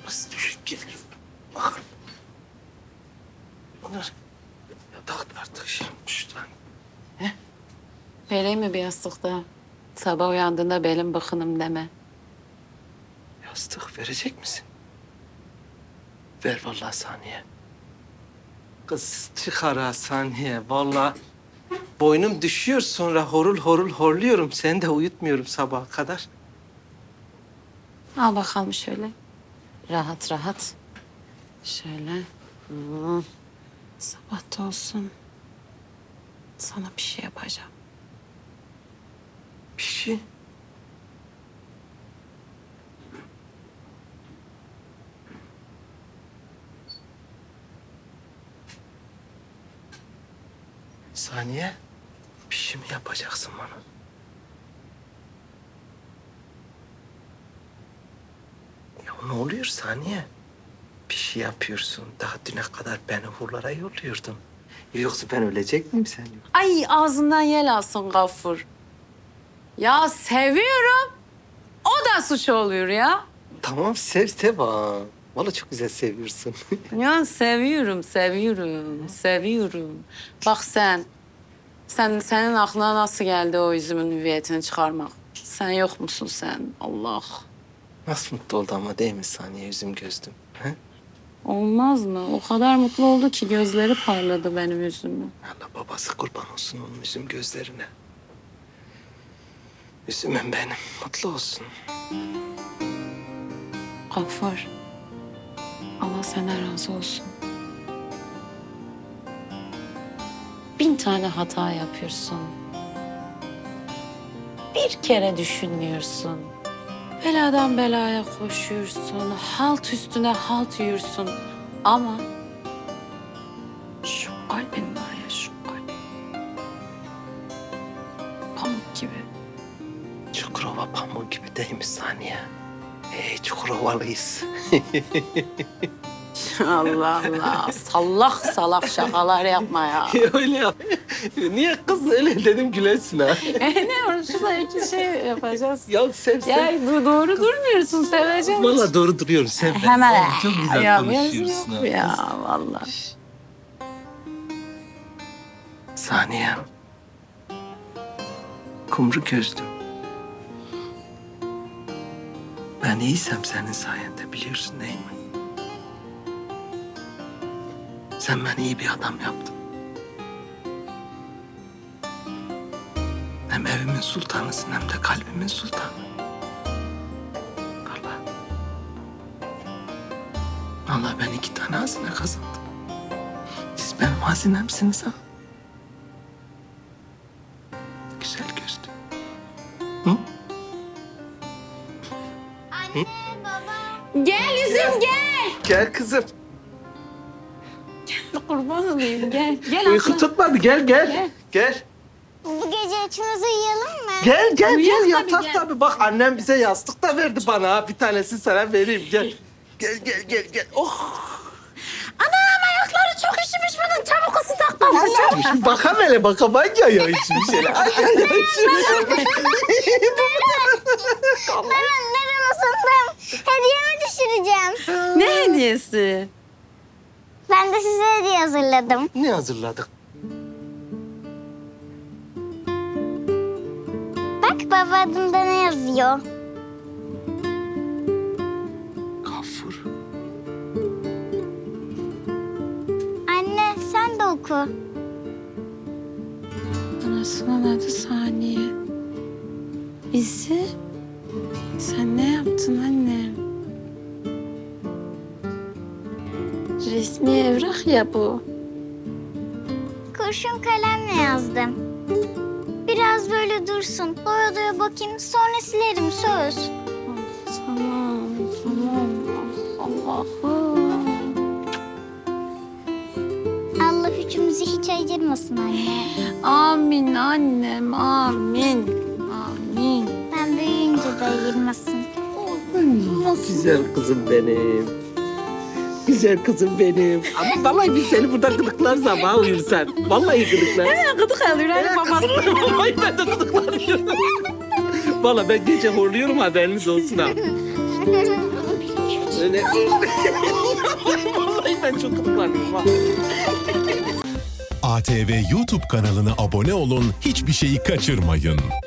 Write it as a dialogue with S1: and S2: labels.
S1: Nasıl düşüp gelir? Bakın. Bunlar yatakta artık şey yapmışlar.
S2: Vereyim mi bir yastık daha? Sabah uyandığında belim bıkınım deme.
S1: Yastık verecek misin? Ver vallahi Saniye. Kız çıkar ha Saniye. Vallahi boynum düşüyor sonra horul horul horluyorum. Seni de uyutmuyorum sabaha kadar.
S2: Al bakalım şöyle. Rahat rahat. Şöyle. Sabah da olsun. Sana bir şey yapacağım.
S1: Bir şey. Saniye, bir şey mi yapacaksın bana? Ya ne oluyor Saniye? Bir şey yapıyorsun. Daha düne kadar beni hurlara yolluyordun. Yoksa ben ölecek miyim sen?
S2: Ay ağzından yel alsın Gafur. Ya seviyorum. O da suç oluyor ya.
S1: Tamam sev sev ha. Vallahi çok güzel seviyorsun.
S2: Ya seviyorum. Bak senin aklına nasıl geldi o üzümün hüviyetini çıkarmak? Sen yok musun sen? Allah.
S1: Nasıl mutlu oldu ama değil mi Saniye yüzüm gözlüm? He?
S2: Olmaz mı? O kadar mutlu oldu ki gözleri parladı benim yüzümün.
S1: Allah babası kurban olsun onun yüzüm gözlerine. Üzümüm benim. Mutlu olsun.
S2: Gaffar, Allah senden razı olsun. 1000 tane hata yapıyorsun. Bir kere düşünmüyorsun. Beladan belaya koşuyorsun. Halt üstüne halt yiyorsun. Ama şu kalbin var ya şu kalp. Pamuk gibi.
S1: Çukurova pamuk gibi değil mi Saniye? Çukurovalıyız.
S2: Allah Allah. Salak salak şakalar yapma ya.
S1: Öyle yap. Niye kız öyle dedim gülesin ha?
S2: Ne var? Şurada iki şey yapacağız.
S1: Ya sev sev.
S2: Ya doğru durmuyorsun, seveceğim.
S1: Vallahi doğru duruyorum. Sev beni.
S2: Hemen.
S1: Çok güzel
S2: Ya,
S1: konuşuyorsun
S2: yok
S1: ha.
S2: ya vallahi.
S1: Saniye. Kumru gözlüm. Ben iyiysem senin sayende biliyorsun değil mi? Sen beni iyi bir adam yaptın. Hem evimin sultanısın hem de kalbimin sultanı. Vallahi. Vallahi ben 2 tane hazine kazandım. Siz benim hazinemsiniz ha. Güzel gözlüm. Hı?
S2: Gel yüzüm gel.
S1: Gel kızım.
S2: Kurban olayım gel. Gel
S1: Uyku
S2: abla.
S1: tutmadı. Gel gel.
S2: Gel.
S1: Gel.
S3: Bu gece üçümüz uyuyalım mı?
S1: Gel
S2: Uyuyalım
S1: gel
S2: tabii,
S1: yatak
S2: gel.
S1: tabii. Bak annem bize yastık da verdi bana ha. Bir tanesini sana vereyim. Gel. Gel. Oh.
S2: Anam ayakları çok üşümüş bunun. Çabuk ısı tak Gaffur çabuk.
S1: Şimdi bakam hele bakam ay ya içmiş hele. Ay içmiş.
S3: Ben ısındım. Hediyemi düşüreceğim.
S2: Ne hediyesi?
S3: Ben de size hediye hazırladım.
S1: Ne hazırladık?
S3: Bak baba adımda ne yazıyor?
S1: Gafur.
S3: Anne sen de oku.
S2: Anasının adı Saniye. Bizi sen ne yaptın annem? Resmi evrak ya bu.
S3: Kurşun kalemle yazdım. Biraz böyle dursun. Doya doya bakayım sonra silerim söz.
S2: Tamam. Allah'ım.
S3: Allah üçümüzü hiç ayırmasın anne.
S2: Amin annem, amin.
S3: Ben büyüyünce de ayırmasın.
S1: Güzel kızım benim. Güzel kızım benim. Ama vallahi biz seni burada gıdıklarız ama uyursan. Vallahi gıdıklar.
S2: Gıdık alıyor hani babası.
S1: Ay ben de gıdıklanıyorum. Vallahi ben gece horluyorum haberiniz olsun ha. Öyle. Vallahi ben çok kutlanıyorum ha.
S4: ATV YouTube kanalına abone olun, hiçbir şeyi kaçırmayın.